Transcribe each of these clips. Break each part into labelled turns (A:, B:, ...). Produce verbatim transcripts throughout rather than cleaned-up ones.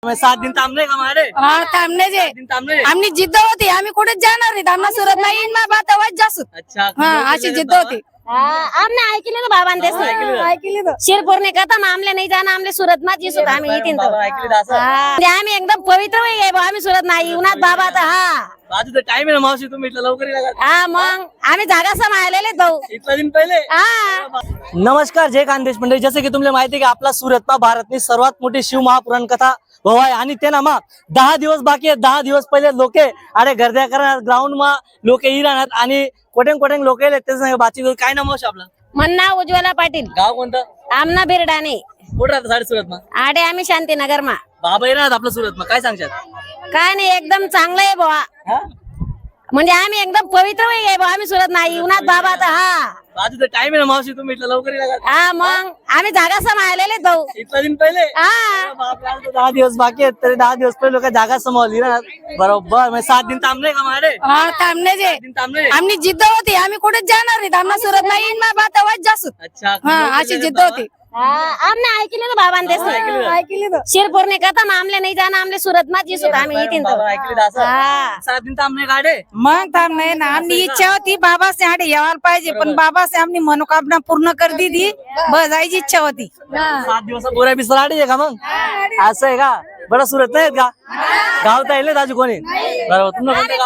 A: सात दिन थांबले का मारे?
B: हा थांबणे जे
A: दिन थांबले.
B: आमची जिद्द होती, आम्ही कुठेच जाणार नाही, आम्हाला सुरत नाही इन मा बात आवाज जास्त.
A: अच्छा
B: हा अशी जिद्द होती.
C: हमने ऐकले ना बाबा
B: ऐकली तर
C: शिरपूर ने कथा आमले नाही जाना आमले सुरत मा जिसू आम्ही येतीन तो
A: ऐकले तर असं.
C: म्हणजे आम्ही एकदम पवित्र आहे बा, आम्ही सुरत नाही उन्हात बाबा आता हा
A: आज तर टाइम आहे ना मावशी, तुम्ही इथलं लवकर येला का?
C: हा मग आम्ही जागा सांभाळलेले तो
A: इतला दिन पहिले.
C: हा
A: नमस्कार, जय खानदेश मंडळी. जसे की तुम्हाला माहिती आहे की आपला सुरतमा भारतनी सर्वात मोठी शिव महापुराण कथा भव आहे आणि ते ना मा दहा दिवस बाकी आहे. दहा दिवस पहिले लोके अरे गर्द्या करणार ग्राउंड मा लोके ही राहणार आणि कोटेंग कोटेंग लोक येले ते सांगा बातचीत करू. काय नाम आहे आपलं?
C: म्हणणा उज्ज्वला पाटील
A: गाव कोणतं?
C: आमना बिरडाने
A: कुठं राहतं साडे सुरत मा?
C: आडे आम्ही शांतीनगर मा
A: बाबा येणार आपलं सुरत मा, काय सांगशात?
C: काय नाही एकदम चांगलं आहे बुवा,
A: हा?
C: म्हणजे आम्ही एकदम पवित्र आहे बुवा, आम्ही सुरत नाही उन्हात बाबा आता हा
A: आज तर टाइम आहे ना मावशी, तुम्ही इथलं लवकर येला का?
C: हा मग आम्ही जागा सांभाळलेले तो
A: इतला दिन पहिले.
C: हा
A: बापरे, आज तर दहा दिवस बाकी आहेत तरी दहा दिवस पहिले लोक जागा समोरली ना. बरोबर, म्हणजे सात दिन थांबले का मारे?
B: हा थांबणे जे
A: दिन थांबले.
B: आमची जिद्द होती, आम्ही कुठेच जाणार नाही, आम्हाला सुरत नाही इन मा बात आवाज जास्त.
A: अच्छा,
B: हा अशी जिद्द होती.
C: हमने ऐकले ना बाबा
B: ऐकली तर
C: शिरपूर ने कथा आमले नाही जाना आमले सुरत मा जिसू आम्ही येतीन तो
A: बाबा ऐकले तर असं.
C: हा
A: सात दिन थांबले गाडे.
B: मग थांबणे ना, आमची इच्छा होती बाबा से आडे यायला पाहिजे, पण बाबा से आमनी मनोकामना पूर्ण कर दी थी, बस जायची इच्छा होती.
A: सात दिवस बोरा बिस्तर आडी आहे का मग? असं आहे का? बरं, सुरत नाही आहेत का? गावता येईल दाजू कोणी? बरोबर, तुम्हाला कोणतं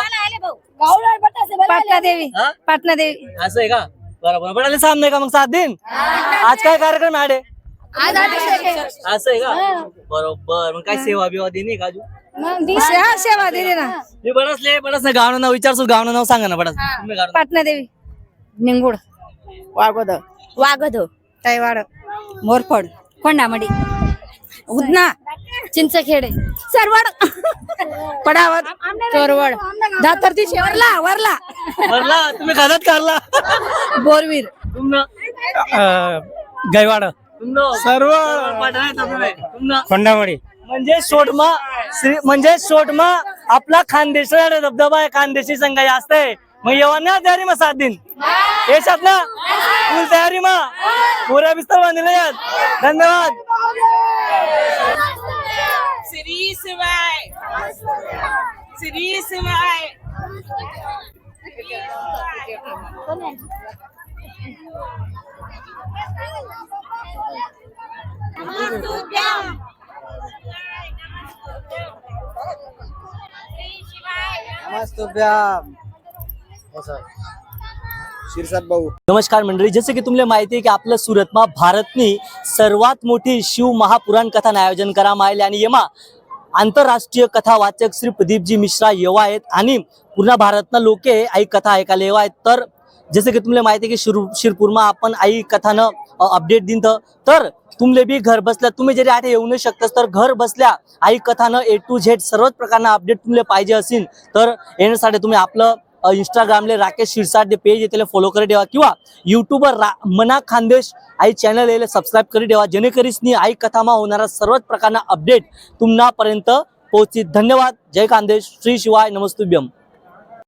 A: गाव?
B: पाटणा देवी
A: हा?
B: पाटणा देवी
A: असं आहे का? बरोबर, बडाले सामने का मग सात दिन? आज काय कार्यक्रम आहे आडे?
B: आज अभिषेक आहे.
A: असं आहे का? बरोबर, मग काय सेवा बिवा देणे का अजून?
B: मग दी- हा, सेवा दिली ना.
A: मी बडसले बडस ना गावनं नाव विचारसू, गावनं नाव सांगा ना बडस. तुम्ही गावनं.
B: पाटणा देवी निंगुड वागोद
C: वागदो
B: तैवाड मोरफड कोंडामडी उदना
C: चिंचखेडे
B: सरवड पडावत चोरवड दातरती वरला वरला
A: बरला, तुम्ही खातात कारला?
B: बोरवीर
A: तुमनं
D: गैवाड
A: तुमनं
D: सर्व
A: पाठवलं आहे तुम्ही. तुमनं
D: खोंडामडी
A: म्हणजे सोटमा श्री म्हणजे सोटमा आपला खानदेशी धबधबा आहे, खानदेशी संघ असते. मग येवा ना तयारी मग सात दिन येशात ना फुल तयारी मग पुऱ्या बिस्तर बांधले यात. धन्यवाद.
E: श्री शिवाय श्री शिवाय
A: नमस्कार मंडळी, जसे की तुम्हाला माहिती आहे की आपलं सुरतमा भारतनी सर्वात मोठी शिव महापुराण कथा आयोजन करायला आले आणि येमा आंतरराष्ट्रीय कथा वाचक श्री प्रदीपजी मिश्रा येवा आहेत आणि पूर्ण भारतना लोके आई कथा ऐकायला येवा आहेत. तर जसे की तुम्हाला माहिती आहे की शिर शिरपूरमा आपण आई कथानं अपडेट दिन तर तुमले बी घर बसल्या तुम्ही जरी आठे येऊ नाही शकतस तर घर बसल्या आई कथानं ए टू झेड सर्वच प्रकारना अपडेट तुम्हाला पाहिजे असेल तर येण्यासाठी तुम्ही आपलं इंस्टाग्रामले राकेश शिरसाट पेज आहे त्याला फॉलो करी ठेवा किंवा युट्यूबवर रा मना खानदेश आई चॅनल याला सबस्क्राईब करी ठेवा, जेणेकरीसनी आई कथामा होणारा सर्वच प्रकारना अपडेट तुम्हापर्यंत पोहोचतील. धन्यवाद. जय खानदेश. श्री शिवाय. नमस्तुभ्यम.